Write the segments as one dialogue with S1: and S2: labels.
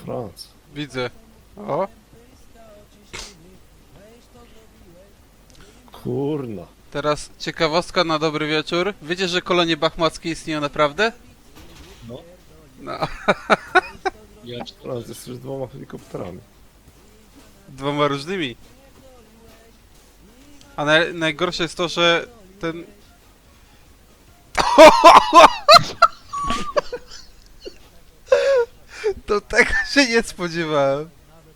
S1: Franc.
S2: Widzę. O,
S1: Kurna.
S2: teraz ciekawostka na dobry wieczór. Wiecie, że kolonie bachmackie istnieją naprawdę?
S3: No.
S2: No,
S3: Ja
S1: Franc jest już 2 helikopterami.
S2: 2 różnymi. A najgorsze jest to, że ten... To tego się nie spodziewałem.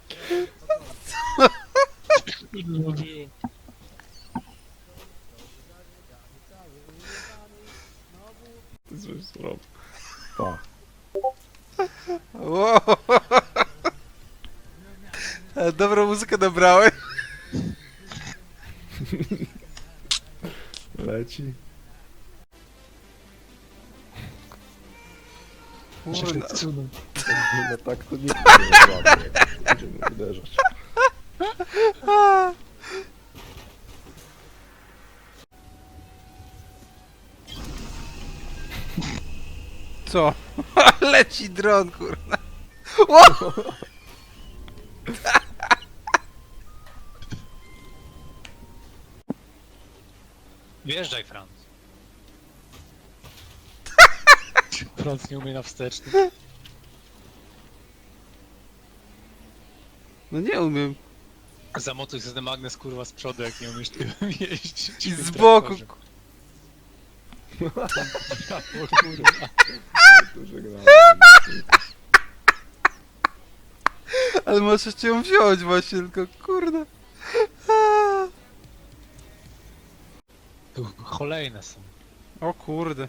S3: było.
S1: Ty coś zrobił. Tak.
S2: Wow. Ale dobrą muzykę dobrałem.
S1: Leci.
S2: Kurna.
S1: No tak to nikt nie złapie. Będziemy uderzać.
S2: Co? Leci dron, kurna. Wow.
S3: Wjeżdżaj, Franc. Franc nie umie na wsteczny.
S2: No nie umiem.
S3: Zamotuj sobie ten magnes kurwa z przodu, jak nie umiesz tym jeździć.
S2: I z boku.
S3: O kurwa.
S1: To żegnamy.
S2: Ale możesz ją wziąć właśnie, tylko kurde.
S3: Tu kolejne są.
S2: O kurde.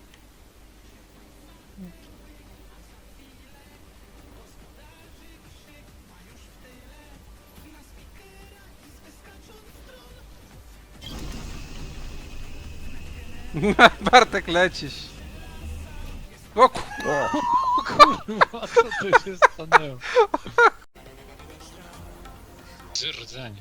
S2: Bartek, lecisz. O
S1: O!
S3: Kurwa, co tu się stanęło? Rdzenie.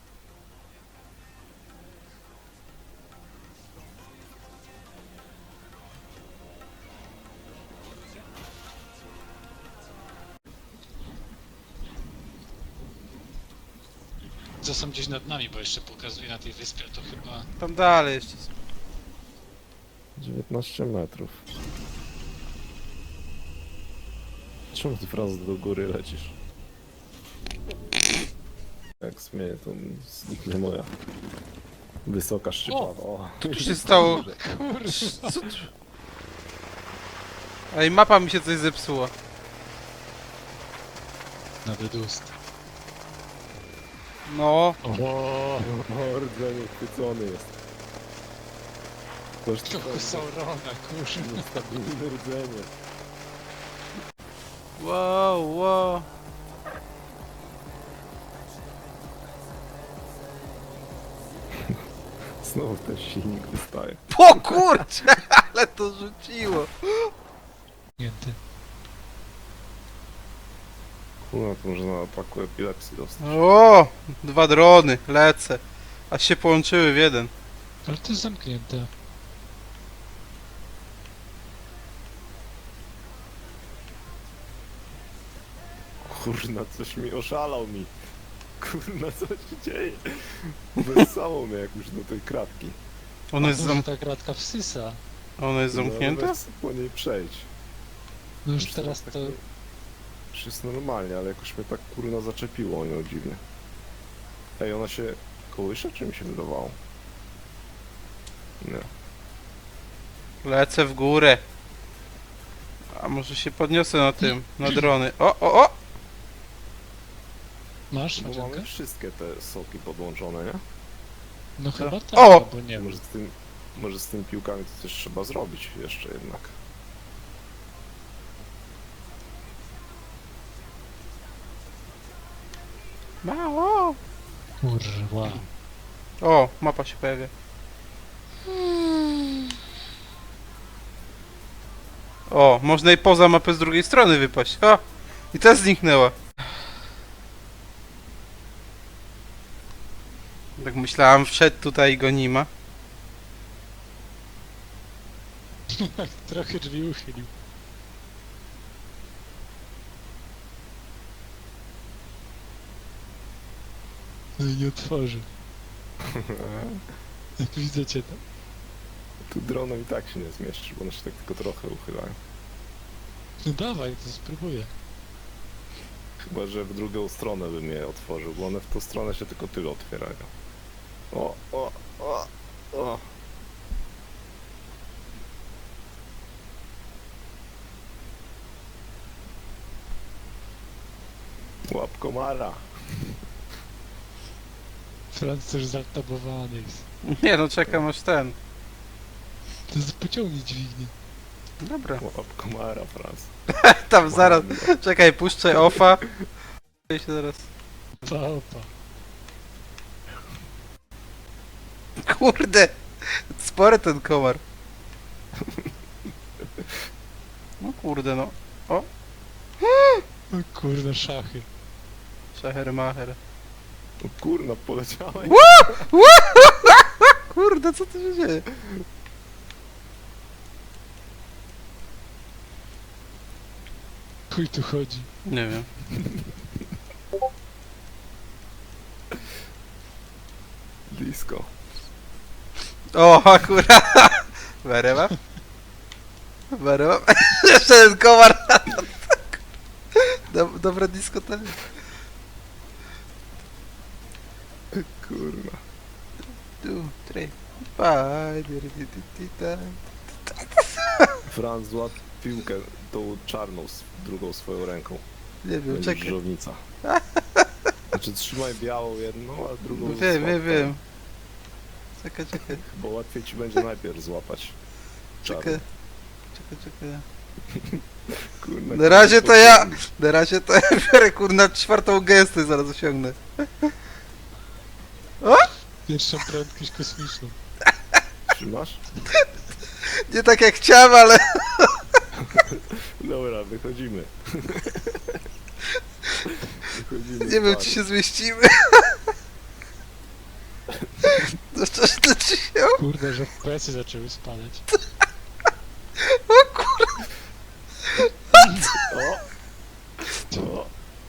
S3: Co są gdzieś nad nami, bo jeszcze pokazuje na tej wyspie, to chyba...
S2: tam dalej jeszcze.
S1: 19 metrów. Czemu ty, Franc, do góry lecisz? Jak śmieję, to zniknie moja wysoka szczypawa. O!
S2: Co tu się stało? Co tu? Ej, mapa mi się coś zepsuła.
S3: Na wydust.
S2: No.
S3: O,
S1: Rdzenie chwycony jest. Toż to
S3: trochę Saurona, kurwa.
S1: niestabilne rdzenie.
S2: Wow, wow.
S1: Znowu ten silnik wystaje.
S2: O kurczę, ale to rzuciło.
S3: Nięty.
S1: Kurwa, to może na ataku epilepsji dostać.
S2: O, 2 drony, lecę. A się połączyły w jeden.
S3: Ale to jest zamknięte.
S1: Kurna, coś mi oszalał mi. Kurna, co się dzieje? Wessało mnie jak już do tej kratki.
S2: Ono jest,
S3: Może ta kratka wsysa.
S2: ono jest
S1: No,
S2: zamknięte?
S1: weź po niej przejść.
S3: No już
S1: Już
S3: teraz
S1: tak
S3: to...
S1: Już jest normalnie, ale jakoś mnie tak kurna zaczepiło, nie dziwnie. Ej, ona się kołysze, czy mi się wydawało? Nie.
S2: Lecę w górę. A może się podniosę na tym, na drony. O!
S3: Masz,
S1: Bo
S3: Macianka?
S1: mamy wszystkie te soki podłączone, nie?
S3: No chyba tak,
S2: O!
S3: bo nie wiem.
S1: Może z tymi piłkami to coś trzeba zrobić jeszcze jednak.
S2: Mało!
S3: Kurwa.
S2: O, mapa się pojawia. O, można i poza mapę z drugiej strony wypaść. O! I ta zniknęła. Tak myślałem, wszedł tutaj i go nie ma.
S3: Trochę drzwi uchylił. No i nie otworzy. Jak widzę cię tam.
S1: Tu dronem i tak się nie zmieszczy, bo one się tak tylko trochę uchylają.
S3: No dawaj, to spróbuję.
S1: Chyba, że w drugą stronę bym je otworzył, bo one w tą stronę się tylko tyle otwierają. O, o, o, o. Łap komara.
S3: Franc też zatabowany jest.
S2: Nie no, czekam aż ten.
S3: To pociągnij dźwignię.
S2: Dobra.
S1: Łap komara, Franz.
S2: Tam zaraz. Czekaj, puszczę offa. I się zaraz.
S3: Opa.
S2: Kurde! Spory ten komar. No kurde no.
S3: O kurde, szachy.
S2: Szachermacher.
S1: O kurna, poleciałeś.
S2: Kurde, co tu się dzieje?
S3: Chuj tu chodzi.
S2: Nie wiem.
S1: Blisko.
S2: O, akurat. Very up. Very up. Jeszcze ten komar. Dobre dyskoteka.
S1: Kurna.
S2: 2, 3, 5.
S1: Franz, złap piłkę tą czarną, drugą swoją ręką.
S2: Nie wiem,
S1: Będzie
S2: czekaj.
S1: żownica. Znaczy trzymaj białą jedną, a drugą
S2: Wiem,
S1: złap
S2: wiem,
S1: tą.
S2: wiem. Czekaj, czekaj.
S1: Bo łatwiej ci będzie najpierw złapać.
S2: Czekaj.
S1: czarną.
S2: Czekaj.
S1: Kurna,
S2: Na razie to ja. Na razie to ja biorę kurna czwartą gęstę, zaraz osiągnę.
S3: Pierwszą prędkość kosmiczną.
S1: Trzymasz?
S2: Nie tak jak chciałem, ale.
S1: Dobra, wychodzimy. Wychodzimy.
S2: Nie wiem,
S1: z
S2: czy
S1: baru.
S2: się zmieścimy. No coś to ci się.
S3: Kurde, że FPS-y zaczęły spadać.
S2: O kurwa.
S1: O! O!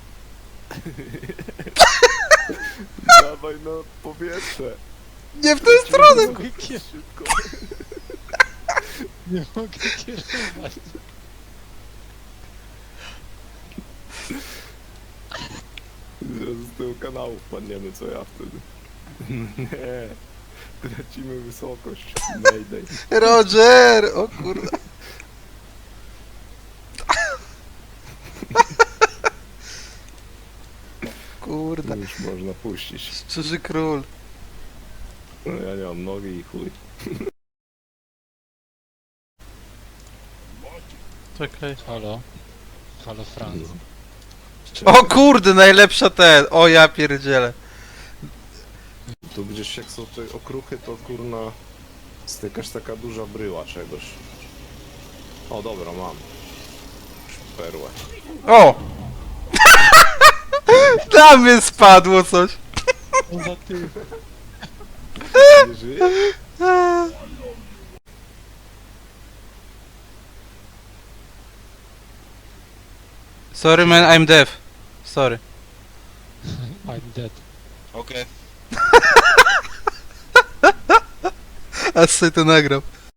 S1: Dawaj na powietrze.
S2: Nie w tę stronę.
S1: Szybko.
S3: Nie mogę kierować.
S1: Zaraz z tego kanału wpadniemy, co ja wtedy. Nie. Tracimy wysokość. Mayday.
S2: Roger! O kurwa. Kurde.
S1: Już można puścić.
S2: Szczerzy król.
S1: No ja nie mam nogi i chuj.
S2: Czekaj.
S3: Halo? Halo, Franc.
S2: O kurde, najlepsza ten. O ja pierdzielę.
S1: Tu gdzieś jak są te okruchy, to kurna jest jakaś taka duża bryła czegoś. O dobra, mam. Perłę.
S2: O! Na mnie spadło coś.
S3: On za ty.
S1: Nie żyje?
S2: Sorry man, I'm deaf. Sorry.
S3: I'm dead.
S2: A sobie to nagrał.